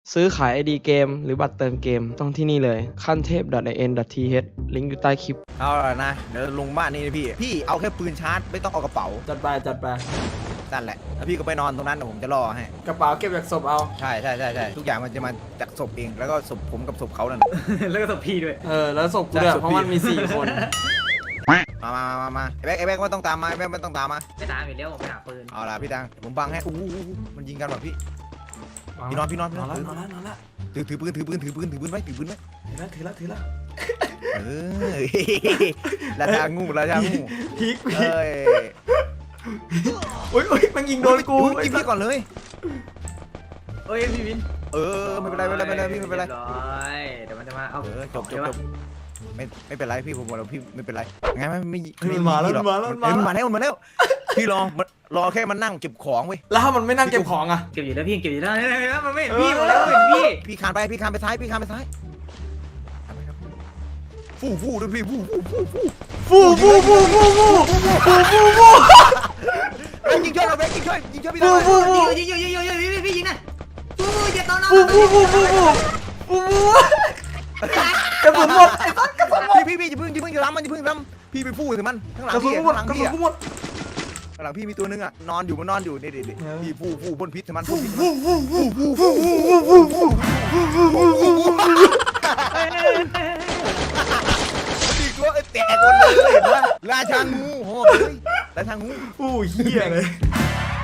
ซื้อขาย ID เกมหรือบัตรเติมเกมต้องที่นี่เลยขั้นเทพ .in.th ลิงก์อยู่ใต้คลิปเอาละนะเดี๋ยวลงบ้านนี่นะพี่เอาแค่ปืนชาร์จไม่ต้องเอากระเป๋าจัดไปนั่นแหละแล้วพี่ก็ไปนอนตรงนั้นเดี๋ยวผมจะรอให้กระเป๋าเก็บจากศพเอาใช่ทุกอย่างมันจะมาจากศพเองแล้วก็ศพผมกับศพเขานั่นแล้วก็ศพพี่ด้วยแล้วศพกูด้วยเพราะมันมี4 คนมาไอ้แบ็คไม่ต้องตามมาไอ้แบ็คไม่ต้องตามมาไม่ตามอยู่แล้วผมไปหาปืนเอาล่ะพี่ดังผมบังให้มันยิงกันแบบพี่นอนนอนแล้วถือปืนไว้ถือแล้วเออราชางูพีกเอ้ยโอ้ยมันยิงโดนกูยิงพี่ก่อนเลยเอ้ยพี่วินไม่เป็นไรพี่ไม่เป็นไรรียบร้อยเดี๋ยวมันจะมาเอาจบไม่เป็นไรพี่ผมบอกแล้วพี่ไม่เป็นไรไงไม่มันมาแล้วพี่รอแค่มันนั่งเก็บของเว้ยแล้วถ้ามันไม่นั่งเก็บของอ่ะเก็บอยู่แล้วพี่เก็บอยู่แล้วมันไม่เห็นพี่หมดแล้วเห็นพี่พี่คานไปซ้ายฟูด้วยพี่ฟูยิงช่วยเราเว้ยยิงช่วยพี่ได้ยิงพี่ยิงนะอย่าตอนนั้นกระสุนหมดพี่อย่าเพิ่งล้ำมันพี่ไปฟูถึงมันข้างหลังกระสุนพี่หมดข้างหลังกระพี่สุนหมดข้างหลังพี่มีตัวนึงอ่ะนอนอยู่นี่พี่ฟูบนพิษถึงมันตีตัวแตกคนเลยเห็นปะราชางูโหราชางูอู้เหี้ยเลย